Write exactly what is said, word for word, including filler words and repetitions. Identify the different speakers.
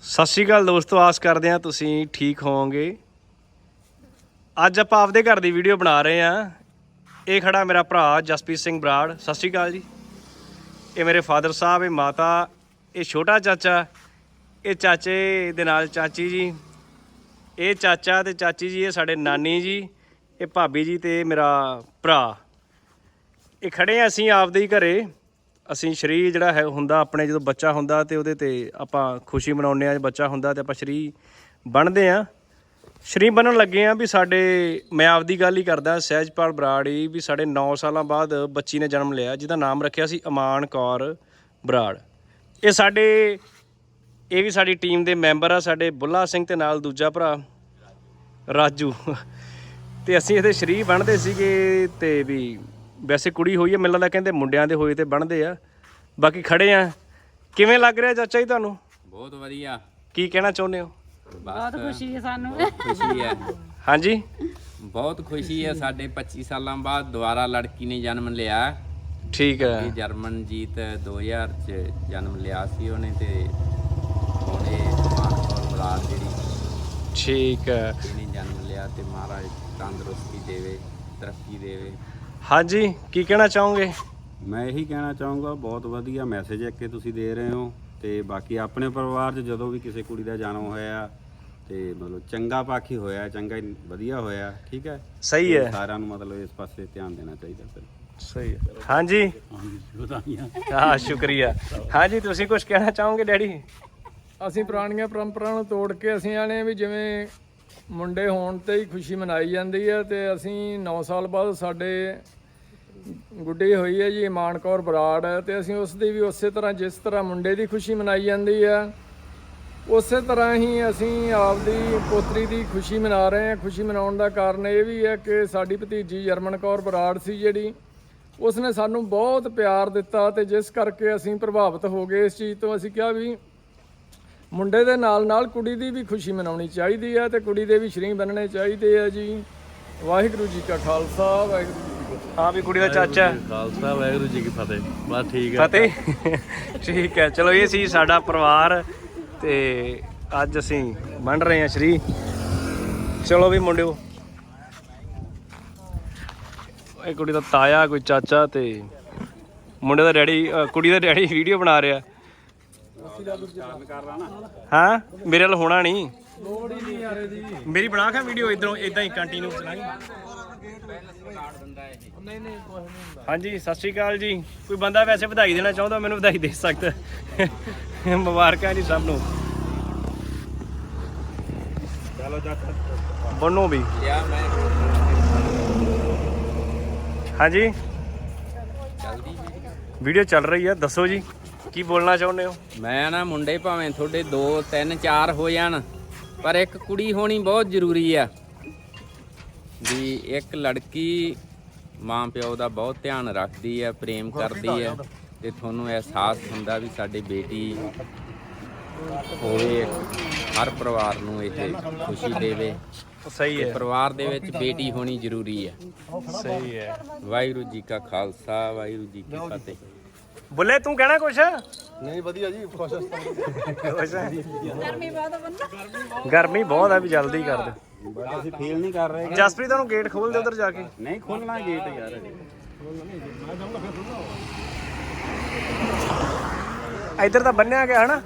Speaker 1: ਸਤਿ ਸ਼੍ਰੀ ਅਕਾਲ ਦੋਸਤੋ, ਆਸ ਕਰਦੇ ਹਾਂ ਤੁਸੀਂ ਠੀਕ ਹੋਵੋਗੇ। ਅੱਜ ਆਪਾਂ ਆਪਦੇ ਘਰ ਦੀ ਵੀਡੀਓ ਬਣਾ ਰਹੇ ਹਾਂ। ਇਹ ਖੜਾ ਮੇਰਾ ਭਰਾ ਜਸਪ੍ਰੀਤ ਸਿੰਘ ਬਰਾੜ। ਸਤਿ ਸ਼੍ਰੀ ਅਕਾਲ ਜੀ। ਇਹ ਮੇਰੇ ਫਾਦਰ ਸਾਹਿਬ, ਇਹ ਮਾਤਾ, ਇਹ ਛੋਟਾ ਚਾਚਾ, ਇਹ ਚਾਚੇ ਦੇ ਨਾਲ ਚਾਚੀ ਜੀ, ਇਹ ਚਾਚਾ ਤੇ ਚਾਚੀ ਜੀ, ਇਹ ਸਾਡੇ ਨਾਨੀ ਜੀ, ਇਹ ਭਾਬੀ ਜੀ ਤੇ ਮੇਰਾ ਭਰਾ। ਇਹ ਖੜੇ ਹਾਂ ਅਸੀਂ ਆਪਦੇ ਹੀ ਘਰੇ। ਅਸੀਂ ਸ਼ਰੀ ਜਿਹੜਾ ਹੈ ਹੁੰਦਾ ਆਪਣੇ, ਜਦੋਂ ਬੱਚਾ ਹੁੰਦਾ ਤੇ ਉਹਦੇ ਤੇ ਆਪਾਂ ਖੁਸ਼ੀ ਮਨਾਉਂਦੇ ਹਾਂ। ਬੱਚਾ ਹੁੰਦਾ ਤੇ ਆਪਾਂ ਸ਼ਰੀ ਬਣਦੇ ਹਾਂ। ਸ਼ਰੀ ਬਣਨ ਲੱਗੇ ਹਾਂ ਵੀ ਸਾਡੇ, ਮੈਂ ਆਪਦੀ ਗੱਲ ਹੀ ਕਰਦਾ, ਸਹਿਜਪਾਲ ਬਰਾੜ ਹੀ, ਵੀ ਸਾਡੇ ਨੌ ਸਾਲਾਂ ਬਾਅਦ ਬੱਚੀ ਨੇ ਜਨਮ ਲਿਆ, ਜਿਹਦਾ ਨਾਮ ਰੱਖਿਆ ਸੀ ਅਮਾਨ ਕੌਰ ਬਰਾੜ। ਇਹ ਸਾਡੇ, ਇਹ ਵੀ ਸਾਡੀ ਟੀਮ ਦੇ ਮੈਂਬਰ ਆ, ਸਾਡੇ ਬੁੱਲਾ ਸਿੰਘ ਤੇ ਨਾਲ ਦੂਜਾ ਭਰਾ ਰਾਜੂ। ਤੇ ਅਸੀਂ ਇਹਦੇ ਸ਼ਰੀ ਬਣਦੇ ਸੀਗੇ। ਤੇ ਵੀ ਵੈਸੇ ਕੁੜੀ ਹੋਈ ਹੈ, ਮੈਨੂੰ ਲੱਗਦਾ ਕਹਿੰਦੇ ਮੁੰਡਿਆਂ ਦੇ ਹੋਏ ਤੇ ਬਣਦੇ ਆ। ਬਾਕੀ ਖੜੇ ਆ। ਕਿਵੇਂ ਲੱਗ ਰਿਹਾ ਚਾਚਾ ਜੀ ਤੁਹਾਨੂੰ?
Speaker 2: ਬਹੁਤ ਵਧੀਆ।
Speaker 1: ਕੀ ਕਹਿਣਾ ਚਾਹੁੰਦੇ ਹੋ?
Speaker 3: ਬਹੁਤ ਖੁਸ਼ੀ ਹੈ ਸਾਨੂੰ।
Speaker 2: ਖੁਸ਼ੀ ਹੈ
Speaker 1: ਹਾਂਜੀ,
Speaker 2: ਬਹੁਤ ਖੁਸ਼ੀ ਹੈ। ਸਾਡੇ ਪੱਚੀ ਸਾਲਾਂ ਬਾਅਦ ਦੁਬਾਰਾ ਲੜਕੀ ਨੇ ਜਨਮ ਲਿਆ।
Speaker 1: ਠੀਕ ਹੈ।
Speaker 2: ਜਰਮਨਜੀਤ ਦੋ ਹਜ਼ਾਰ ਚ ਜਨਮ ਲਿਆ ਸੀ ਉਹਨੇ, ਤੇ ਹੁਣ ਇਹ ਅਮਾਨ ਕੌਰ ਬਰਾੜ ਜਿਹੜੀ,
Speaker 1: ਠੀਕ ਹੈ,
Speaker 2: ਇਹਨੇ ਜਨਮ ਲਿਆ। ਤੇ ਮਹਾਰਾਜ ਤੰਦਰੁਸਤੀ ਦੇਵੇ, ਤਰੱਕੀ ਦੇਵੇ।
Speaker 1: ਹਾਂਜੀ, ਕੀ ਕਹਿਣਾ ਚਾਹੋਗੇ?
Speaker 4: ਮੈਂ ਇਹੀ ਕਹਿਣਾ ਚਾਹੂੰਗਾ, ਬਹੁਤ ਵਧੀਆ ਮੈਸੇਜ ਇੱਕ ਤੁਸੀਂ ਦੇ ਰਹੇ ਹੋ। ਤੇ ਬਾਕੀ ਆਪਣੇ ਪਰਿਵਾਰ 'ਚ ਜਦੋਂ ਵੀ ਕਿਸੇ ਕੁੜੀ ਦਾ ਜਨਮ ਹੋਇਆ ਤੇ ਮਤਲਬ ਚੰਗਾ ਪੱਖ ਹੀ ਹੋਇਆ, ਚੰਗਾ ਹੀ ਵਧੀਆ ਹੋਇਆ। ਠੀਕ ਹੈ,
Speaker 1: ਸਹੀ ਹੈ।
Speaker 4: ਸਾਰਿਆਂ ਨੂੰ ਮਤਲਬ ਇਸ ਪਾਸੇ ਧਿਆਨ ਦੇਣਾ ਚਾਹੀਦਾ। ਫਿਰ
Speaker 1: ਸਹੀ ਹੈ। ਹਾਂਜੀ ਹਾਂ, ਸ਼ੁਕਰੀਆ। ਹਾਂਜੀ, ਤੁਸੀਂ ਕੁਝ ਕਹਿਣਾ ਚਾਹੋਗੇ ਡੈਡੀ?
Speaker 5: ਅਸੀਂ ਪੁਰਾਣੀਆਂ ਪਰੰਪਰਾਵਾਂ ਨੂੰ ਤੋੜ ਕੇ ਅਸੀਂ ਆਣੇ ਵੀ ਜਿਵੇਂ ਮੁੰਡੇ ਹੋਣ ਤੇ ਹੀ ਖੁਸ਼ੀ ਮਨਾਈ ਜਾਂਦੀ ਹੈ। ਤੇ ਅਸੀਂ ਨੌ ਸਾਲ ਬਾਅਦ ਸਾਡੇ ਗੁੱਡੀ ਹੋਈ ਹੈ ਜੀ ਅਮਾਨ ਕੌਰ ਬਰਾੜ ਹੈ, ਤੇ ਅਸੀਂ ਉਸ ਦੀ ਵੀ ਉਸੇ ਤਰ੍ਹਾਂ, ਜਿਸ ਤਰ੍ਹਾਂ ਮੁੰਡੇ ਦੀ ਖੁਸ਼ੀ ਮਨਾਈ ਜਾਂਦੀ ਹੈ, ਉਸੇ ਤਰ੍ਹਾਂ ਹੀ ਅਸੀਂ ਆਪਦੀ ਪੋਤਰੀ ਦੀ ਖੁਸ਼ੀ ਮਨਾ ਰਹੇ ਹਾਂ। ਖੁਸ਼ੀ ਮਨਾਉਣ ਦਾ ਕਾਰਨ ਇਹ ਵੀ ਹੈ ਕਿ ਸਾਡੀ ਭਤੀਜੀ ਜਰਮਨ ਕੌਰ ਬਰਾੜ ਸੀ ਜਿਹੜੀ, ਉਸਨੇ ਸਾਨੂੰ ਬਹੁਤ ਪਿਆਰ ਦਿੱਤਾ, ਤੇ ਜਿਸ ਕਰਕੇ ਅਸੀਂ ਪ੍ਰਭਾਵਿਤ ਹੋ ਗਏ ਇਸ ਚੀਜ਼ ਤੋਂ। ਅਸੀਂ ਕਿਹਾ ਵੀ ਮੁੰਡੇ ਦੇ ਨਾਲ ਨਾਲ ਕੁੜੀ ਦੀ ਵੀ ਖੁਸ਼ੀ ਮਨਾਉਣੀ ਚਾਹੀਦੀ ਹੈ, ਤੇ ਕੁੜੀ ਦੇ ਵੀ ਸ਼ਰੀਂ ਬਣਨੇ ਚਾਹੀਦੇ ਆ ਜੀ। ਵਾਹਿਗੁਰੂ ਜੀ ਕਾ ਖਾਲਸਾ, ਵਾਹਿਗੁਰੂ ਜੀ ਕੀ ਫਤਿਹ।
Speaker 1: ਹਾਂ ਵੀ ਕੁੜੀ ਦਾ ਚਾਚਾ।
Speaker 6: ਖਾਲਸਾ, ਵਾਹਿਗੁਰੂ ਜੀ ਕੀ ਫਤਿਹ। ਬਸ ਠੀਕ ਹੈ,
Speaker 1: ਫਤਿਹ। ਠੀਕ ਹੈ, ਚਲੋ ਇਹ ਸੀ ਸਾਡਾ ਪਰਿਵਾਰ, ਤੇ ਅੱਜ ਅਸੀਂ ਬਣ ਰਹੇ ਹਾਂ ਸ਼ਰੀ। ਚਲੋ ਵੀ ਮੁੰਡਿਓ, ਇਹ ਕੁੜੀ ਦਾ ਤਾਇਆ, ਕੋਈ ਚਾਚਾ, ਤੇ ਮੁੰਡੇ ਦਾ ਡੈਡੀ, ਕੁੜੀ ਦਾ ਡੈਡੀ ਵੀਡੀਓ ਬਣਾ ਰਿਹਾ। ਹਾਂ, ਮੇਰੇ ਨਾਲ ਹੋਣਾ ਨਹੀਂ, ਮੇਰੀ ਬਣਾ ਕੇ ਵੀਡੀਓ ਇਧਰੋਂ ਇਦਾਂ ਹੀ ਕੰਟੀਨਿਊ ਚਲਾਈ। ਹਾਂਜੀ, ਸਤਿ ਸ਼੍ਰੀ ਅਕਾਲ ਜੀ। ਕੋਈ ਬੰਦਾ ਵੈਸੇ ਵਧਾਈ ਦੇਣਾ ਚਾਹੁੰਦਾ, ਮੈਨੂੰ ਵਧਾਈ ਦੇ ਸਕਦਾ। ਮੁਬਾਰਕਾਂ ਜੀ ਸਭ ਨੂੰ। ਚਲੋ ਬਣੋ ਵੀ। ਹਾਂਜੀ, ਵੀਡੀਓ ਚੱਲ ਰਹੀ ਆ, ਦੱਸੋ ਜੀ ਕੀ ਬੋਲਣਾ ਚਾਹੁੰਦੇ ਹੋ?
Speaker 2: ਮੈਂ ਨਾ, ਮੁੰਡੇ ਭਾਵੇਂ ਤੁਹਾਡੇ ਦੋ ਤਿੰਨ ਚਾਰ ਹੋ ਜਾਣ, ਪਰ ਇੱਕ ਕੁੜੀ ਹੋਣੀ ਬਹੁਤ ਜ਼ਰੂਰੀ ਆ। ਵੀ ਇੱਕ ਲੜਕੀ ਮਾਂ ਪਿਓ ਦਾ ਬਹੁਤ ਧਿਆਨ ਰੱਖਦੀ ਆ, ਪ੍ਰੇਮ ਕਰਦੀ ਆ, ਤੇ ਤੁਹਾਨੂੰ ਅਹਿਸਾਸ ਹੁੰਦਾ ਵੀ ਸਾਡੀ ਬੇਟੀ ਹੋਵੇ। ਹਰ ਪਰਿਵਾਰ ਨੂੰ ਇਹ ਖੁਸ਼ੀ ਦੇਵੇ।
Speaker 1: ਸਹੀ ਹੈ,
Speaker 2: ਪਰਿਵਾਰ ਦੇ ਵਿੱਚ ਬੇਟੀ ਹੋਣੀ ਜ਼ਰੂਰੀ ਹੈ।
Speaker 1: ਸਹੀ ਹੈ।
Speaker 2: ਵਾਹਿਗੁਰੂ ਜੀ ਕਾ ਖਾਲਸਾ, ਵਾਹਿਗੁਰੂ ਜੀ ਕੀ ਫਤਿਹ।
Speaker 1: ਬੁੱਲੇ, ਤੂੰ ਕਹਿਣਾ ਕੁਛ?
Speaker 6: ਨਹੀਂ ਵਧੀਆ ਜੀ, ਖੁਸ਼
Speaker 3: ਗਰਮੀ ਬਹੁਤ ਬੰਦਾ,
Speaker 1: ਗਰਮੀ ਬਹੁਤ ਆ, ਵੀ ਜਲਦੀ ਕਰ ਦੇ।
Speaker 4: ਬਟ ਅਸੀਂ ਫੀਲ ਨਹੀਂ ਕਰ ਰਹੇ।
Speaker 1: ਜਸਪ੍ਰੀਤ ਤੁਹਾਨੂੰ ਗੇਟ ਖੋਲ ਦੇ ਉਧਰ ਜਾ ਕੇ।
Speaker 4: ਨਹੀਂ ਖੋਲਣਾ ਗੇਟ ਯਾਰ।
Speaker 1: ਇੱਧਰ ਤਾਂ ਬੰਨਿਆ ਗਿਆ ਹਨਾ।